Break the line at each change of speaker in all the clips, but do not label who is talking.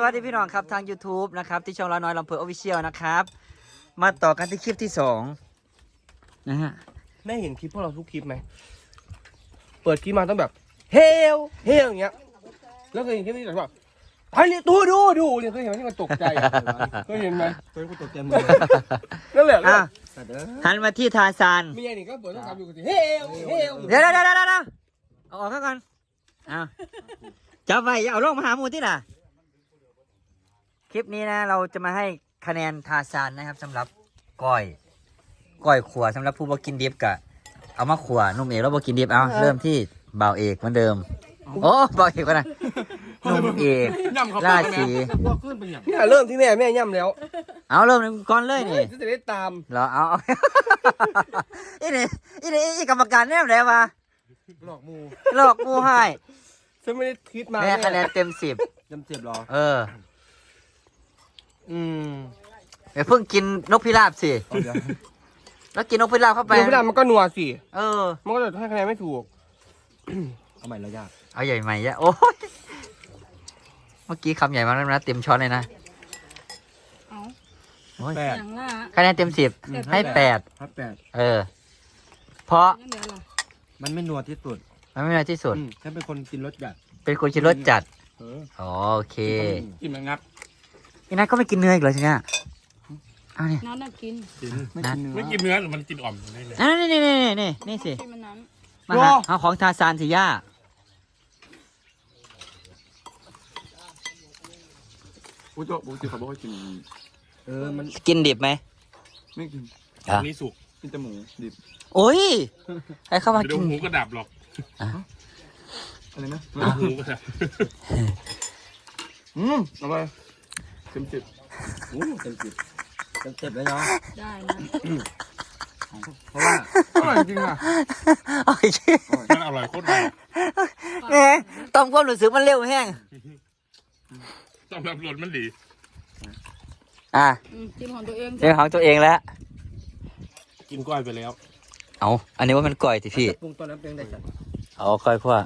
สวัสดีพี่น้องครับทาง YouTube นะครับที่ช่องเราน้อยลำเพอออฟฟิเชียลนะครับมาต่อกันที่คลิปที่2นะฮะ
ได้เห็นคลิปพวกเราทุกคลิปไหมเปิดคลิปมาต้องแบบเฮลอย่างเงี้ยแล้วเคยเห็นคลิปนี้แบบไปเลยดูเนี่ยเคยเห็นไหมที่มันตกใจเคยเห็นไหมเคยตกใจมือนั่นแหละ
หันมาที่ทาซาน
มีอย่างนี้ก็เปิดต้องทำอยู่กันสิเฮล
เดี๋ยวเอาออกก่อนจับไว้อย่าเอาลงมาหาหมูที่น่ะคลิปนี้นะเราจะมาให้คะแนนทาซานนะครับสำหรับก้อยขัวสำหรับผู้บ่กินดิบกะเอามาขัวนุ่มเอกแล้วบ่กินดิบเอาเริ่มที่บ่าวเอกเหมือนเดิมโอ้บ่าวเอกก็นะนุ่มเอกราศี
เนี่ยเริ่มที่แม่ย่ำแล้ว
เอาเริ่มก่อนเลยนี่
จะได้ตาม
เหรอเอาอีกรรมการแน่ไหนวะ
หลอกมู
ให้
ฉันไม่ได้คิดมา
แม่คะแนนเต็ม
10หรอ
เดี๋ยวเพิ่งกินนกพิราบสิแล้วกินนกพิราบเข้าไป
นกพิราบมันก็นัวสิมันก็จะให้คะแนนไม่ถูกเอาใหม่แล้วยาก
เอาใหญ่ใหม่ยะโอ้ยเมื่อกี้คำใหญ่มากแล้วนะเต็มช้อนเลยนะ
8
คะแนนเต็ม10ให้8เพราะ
มันไม่นัวที่สุด
ฉั
นเป็นคนกินรสจัด
เป็นคนกินรสจัดโอเค
กินมันงับ
อีนัทก็ไม่กินเนื้ออีกเหรอใช่ไหมเอาเนี่ย
น้ำกิน
ไม่กินเนื้อมันกินอ่อมได้เลย
นี่สิมาเอาของทาซานสิย่า
ปูโจ้เขาบอกว่ากิน
มันกินดิบไหม
ไม่กินนี่สุกกินแต่หมูดิบ
โอ้ยใครเข้ามากิน
หมูก็ดับหรอกอะไรนะหมูก็ดับเอาไปเต็ม
10เลยเนาะ
ได้นะ
เพราะว่าอร่อยจริงอ่ะมันอร่อยโคตรดี
แหมต้องความรู้สึกมันเร็วแห้ง
ต้องรับรสมันดี
จิ้มของตัวเอง
แล้ว
กินก้อยไปแล้ว
เอาอันนี้ว่ามันก้อยสิพี่
ปรุงตอนนั้นเป็นได้จัด
เอาก้อยคั่ว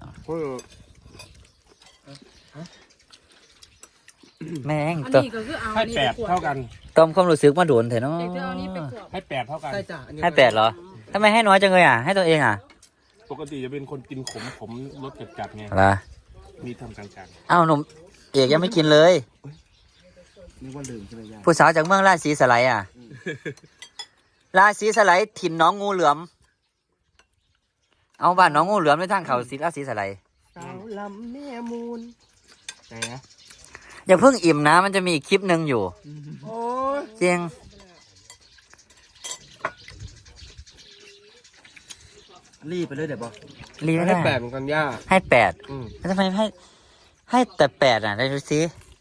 แม่ง
ตัว
ให้8เท่ากัน
ต้มความรู้สึกมาโดนเถอะเนาะ
ให้8เท่ากัน
ให้8เหรอทำไมให้น้อยจังเลยให้ตัวเอง
ปกติจะเป็นคนกินขมรสจัดไงมีทำกลาง
ๆอ้าวหนุ่มเอกยังไม่กินเลย
นึกว่าลืมใช่ไหมย่า
ผู้สาวจากเมืองราศีสไลราศีสไลถิ่นน้องงูเหลือมเอาบ้านน้องงูเหลือมในทางเขาราศีสไล
สาวลำแม่มูลไหนนะ
อย่าเพิ่งอิ่มนะมันจะมีอีกคลิปหนึ่งอยู่จริง
รีบไปเลยเดี๋ยวบอก
รีบ
ให้8เหมือนกันย่า
ให้8แล้วทำไมให้แต่8ได้ดูสิ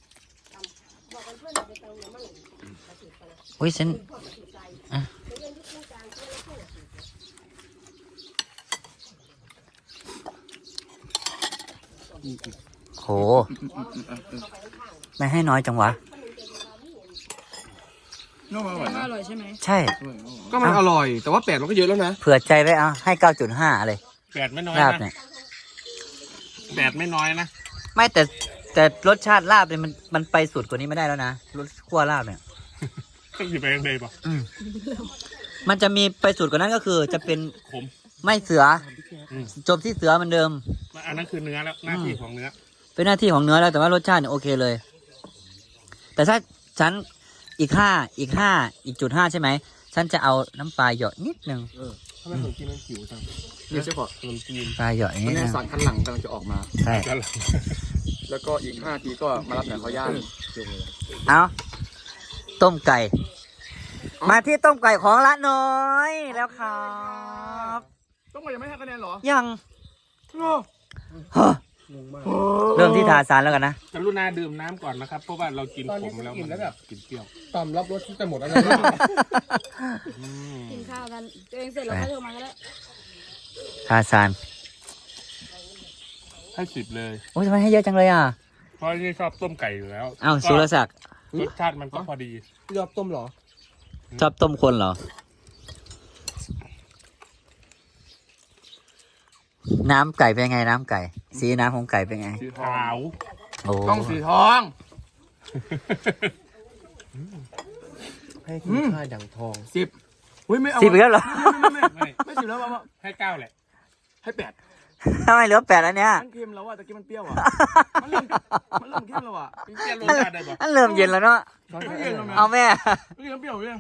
อุ้ยฉันโหไม่ให้น้อยจังวะ
อร่อยใช่ไหม
ใช่
ก็มันอร่อยแต่ว่า8มันก็เยอะแล้วนะ
เผื่อใจไว้ให้ 9.5 เลย
8ไม่น้อยนะ8ไม่น้อยนะ
ไม่แต่รสชาติลาบเนี่ยมันไปสุดกว่านี้ไม่ได้แล้วนะรสคั่วลาบเนี่ย
ต้องอยู่ไปยังไงป่ะ
มันจะมีไปสุดกว่านั้นก็คือจะเป็น
ขม
ไม่เสือจบที่เสือเหมือนเดิม
อันนั้นคือเนื้อแล้วหน้าที่ของเนื้อ
เป็นหน้าที่ของเนื้อแล้วแต่ว่ารสชาติเนี่ยโอเคเลยแต่ถ้าฉันอีก5ใช่ไหมฉันจะเอาน้ำปลาหยดนิดนึง
ทำไมผมกินมันผิวจังนี่ใช่ป่ะขนมจีน
ปลาหยดนิดนึง
สารคันหลังกำลังจะออกมา
ใช่
แล้วก็อีก5 ทีก็มารับหนังเขาย่าง
เอาต้มไก่มาที่ต้มไก่ของละน้อยแล้วครับ
ต้มไก่ยังไม่ให้คะแนนหรอ
ยังเริ่มที่ทาซานแล้วกันนะ
กรุณาดื่มน้ำก่อนนะครับเพราะว่าเรากินขมแล้วมันแบบกินเปรี้ยวต่ำรับรสที่จะหมดแล้ว
กินข้าวกันตัวเองเสร็จแล้วก็โทรมาก็ได้
ทาซาน
ให้10เลย
โอ้ยทำไมให้เยอะจังเลย
เพราะที่ชอบต้มไก่อยู่แล้ว
อ้าวสุรศักดิ์
รสชาติมันก็พอดีชอบต้มหรอ
ชอบต้มคนเหรอน้ำไก่เป็นไงน้ำไก่สีน้ำของไก่เป็นไง
สีขาว
โอ้
ต้องสีทองให้คุณค่าดังทอง
10อุ้ยไม่เอา
10อีกแล้วเหรอ
ไม่10แล้วมา
ให้เก้าแหละ
ให้8
ทำไมเหลือ8แล้วเนี่ย
มันเค็มแล้วอ่ะตะกี้มันเปรี้ยวอ่ะมันเริ่มเค็มแล้วอ่ะ
เปลี่ยนรสชาติได้บ่
อันเริ่มเย็นแล้วเนาะ
ไม่เย็นแล้วแม่
เอาแม่
เริ่มเปรี้ยวเลย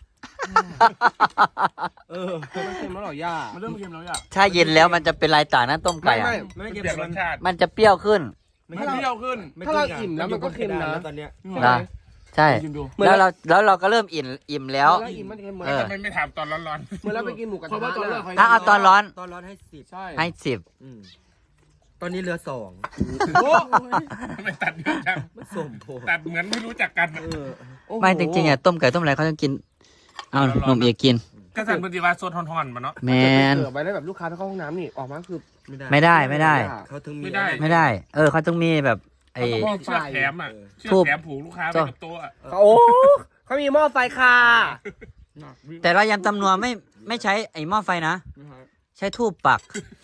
มันเค็มแล้วเหรอย่า
มันเริ่มเค็มแล้วอ่ะ
ถ้าเย็นแล้วมันจะเป็นลายต่างนะต้มไก่อะ
ไม่
เป
เค็ม
ลี่ยนรสชาติ
มันจะเปรี้ยวขึ้น
มันเปรี้ยวขึ้น
ถ้าเราอิ่มแล้วมันก็เค็มนะ
ตอนเนี้ย
นะใช่
ชิมดู
แล้วเราก็เริ่มอิ่มแล้ว
แล้วอิ่มมันเค็มเหมือน
เออ
ทำไมไม่ถามตอนร้อนๆเหมือนเราไปกินหมูกระทะ
เอาตอนร้อน
ตอนร้อนให้10
ใช่
ให้10
ตอนนี้เหลือ2
โอ้ทำไมตัดเยอะจัง
มันสมโพ
ตัดเหมือนไม่รู้จักกัน
ไม่จริงๆอ่ะต้มไก่ต้มอะไรเขาต้องกิน เอานมเอกกิน
ก็สั่งปฏิวัติโซนทอนๆมาเนาะ
แมน
เสิร์ฟไว้แล้วแบบลูกค้าถ้าเข้าห้องน้ำนี่ออกมาคือ
ไม่ได้
เขาถึงมี
ไม่ได้
ไม่ได้ เขาต้องมีแบบไอ้
ต้องมีเชือกแถมอ่ะเชือกแถมผูกลูกค้าไว้กับโต๊ะอะโอ้เขามีหม้อไฟค่ะ
แต่เรายำตำนัวไม่ใช้ไอ้หม้อไฟนะ ใช้ทูบปัก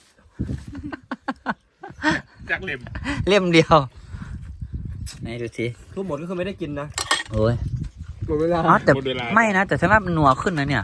จากเหล็ม
เล่มเดียวไหนดูสิ
ทุกหมดก็คือไม่ได้กินนะ
โอ้ย
หมดเวลา
อ๋อแต่ไม่นะ แต่ฉันว่ามันนัวขึ้นนะเนี่ย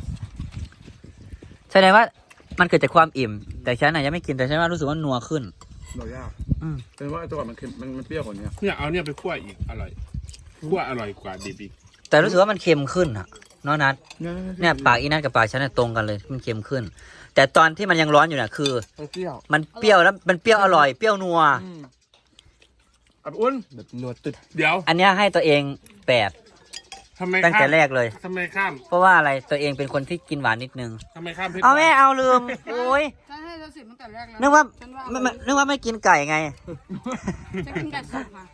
แสดงว่ามันเกิดจากความอิ่ม แต่ฉันน่ะยังไม่กินแต่ฉันว่ารู้สึกว่านัวขึ้น
หน่อยยาก
อืม
เป็นว่าตัวก่อนมันเค็มมันเปรี้ยวกว่านี้
เนี่ยเอาเนี่ยไปคั่วอีกอร่อยคั่วอร่อยกว่าดิบอีก
แต่รู้สึกว่ามันเค็มขึ้นอะเนาะนัดเนี่ยปากอีนัทกับปากฉันเนี่ยตรงกันเลยมันเค็มขึ้น แต่ตอนที่มันยังร้อนอยู่น่ะคือ
มันเปรี้ยว
มันเปรี้ยวแล้วมันเปรี้ยวอร่อยเปรี้ยวนัว
อับอุ้น
แบบนัวตึดเดี๋ยว
อันเนี้ยให้ตัวเอง8
ทำไม
ตั้งแต่แรกเลย
ทำไมข้าม
เพราะว่าอะไรตัวเองเป็นคนที่กินหวานนิดนึง
ทำไมข้ามเพชร
เอาแม่เอาลืม โอ้ย
ฉันให้เรา10ตั้งแต่แรกแล้ว
นึกว่า
ฉันว่า
นึกว่าไม่กินไก่ไง
ฉันกินไก่สดค่ะ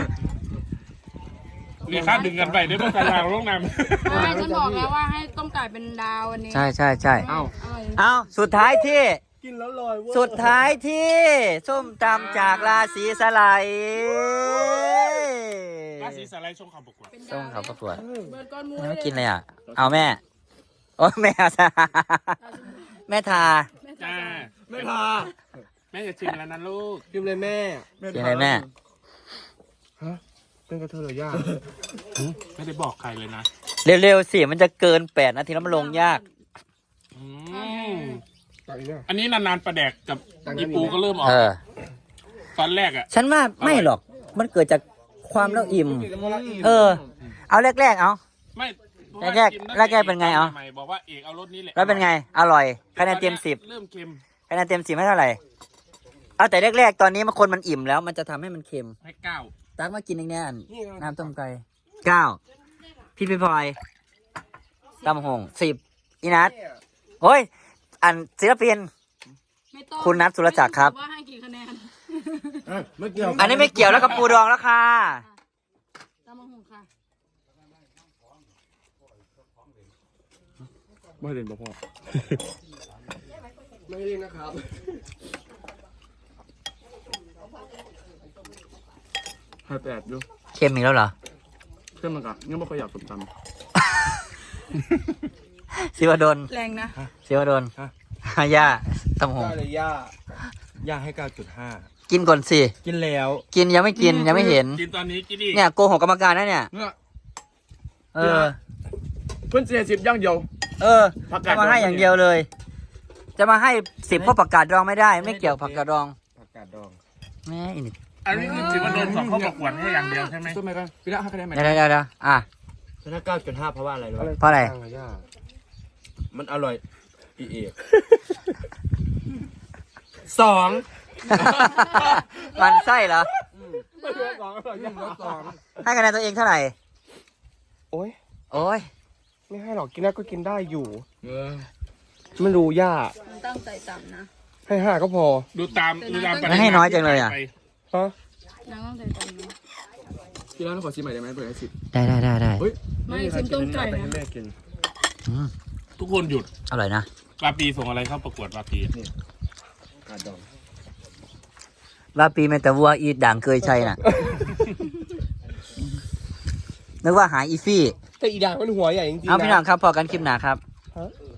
นี่ข้ามดึงกันไปได้เพราะการลางลงน้ำ
ไม่ฉันบอกแล้วว่าให้ต้มไก่เป็นดาววันนี้
ใช่
เอ้า
เอาสุดท้ายที่
กินแล้วลอยเว้ย
สุดท้ายที่ส้มตำจากราศีสไลด์
ราศีสไลด์ชงข่าวประกวด
ส้มเขาประกวด
เบิร์ดก้อนมู
ไม่กินเลยอ่ะ เอาแม่ โอ้แม่ซะแม่ทา
จ้า
ไม่พา
แม่จะชิมแล้วนะลูก
กินเลยแม่
กินอะไรแม่
เป็นกระเทยเลยยากไม่ได้บอกใครเลยนะ
เร็วๆสิมันจะเกิน8 นาทีแล้วมันลงยาก
อันนี้นานๆประแดกกับอีปูก็เริ่มออก ตอนแรกอ่ะ
ฉันว่าไม่หรอก มันเกิดจากความแล้วอิ่ม เอาแรกๆเอา
ไม่
แรกเป็นไงเอา
บอกว่าเอกเอารถนี้แหละ
แล้วเป็นไง อร่อยคะแนนเต็ม10
เริ่มเค็ม
คะแนนเต็ม10ให้เท่าไหร่ เอาแต่แรกๆตอนนี้มันคนมันอิ่มแล้ว มันจะทำให้มันเค็ม
ให้เก้า
ตักมากินอีกแน่นน้ำต้มไก่9พี่พลอยตำหง10อีนัทโอ้ย อันศิลปิน
ไม่ต้อง
คุณนัทสุรจักรครับ
ว่าให้กี่คะแนน
ไม่เกี่ยว
อันนี้ไม่เกี่ยวแล้วกับปูดองแล้วค่ะ
ตามมาหุงค่ะ
ไม่เล่นบ่พ่อ
ไม่เล่นนะครับ
ให้8ดู
เค็มอีกแล้วเหรอ
เพื่อนมันกะงั้นไม่ค่อยอยากสมต
ศิวดล
แรงนะ
ศิวดลฮายาตำหง
ได้เลยย่า
ำย่าให้ 9.5
กินก่อนสิ
กินแล้ว
กินยังไม่กินยังไม่เห็น
กินตอนนี้กินอีก
เนี่ยโกหกกรรมการนะเนี่ย
เนี่ย
เออ
เพื่อน40ย่างเดียว ผักกา
จะ
ด
มาให้
ดอง
อย่างเดียวเลย จะมาให้10เพราะผักกาดดองไม่ได้ ไม่เกี่ยวผักกาดดอง
ผักกาดดอง
แม่อีนี่
อันนี้คือถือว่าโดนสอบเข้าประกวดให้อย่างเดียวใช่ไหม
สู้ไหมกันพี่ละให้คะแนนไหม
เดี๋ยวอ่ะ
ชนะ 9.5 เพราะว่าอะไรรู้ไหม
เพราะอะไร
ย่า
มันอร่อยอีเอก 2
มันไส้เหรอ
2อร่อยย่าง2
ให้คะแนนตัวเองเท่าไหร่
โอ้ย
โอ้ย
ไม่ให้หรอกกินได้ก็กินได้อยู่ไม่รู้ย่า
มันตั้งใจต่ำนะ
ให้5ก็พอดูตาม
ไม่ให้น้อยจังเลยอ่ะ
ฮะ
นางต้องใจต่ำนะ
พี่ละขอชิมใหม่ได้ไหมเปิดให้10
ได้
เฮ้ย
ไม่ชิมต้มไก่
ให้
นะ
แม่กิน
อืม
ทุกคนหยุด
อร่อยนะ
ปาปีส่งอะไรเข้าประกวดปาปี
กาดดอง
ว่าปีเมตาวัวอีดด่างเคยใช่น่ะ นึกว่าหาอีฟี่
แต่อีด่างมันหัวใหญ่จริงๆ
เอาพี่น้องครับพอกันคลิปหนาครับ
ฮะ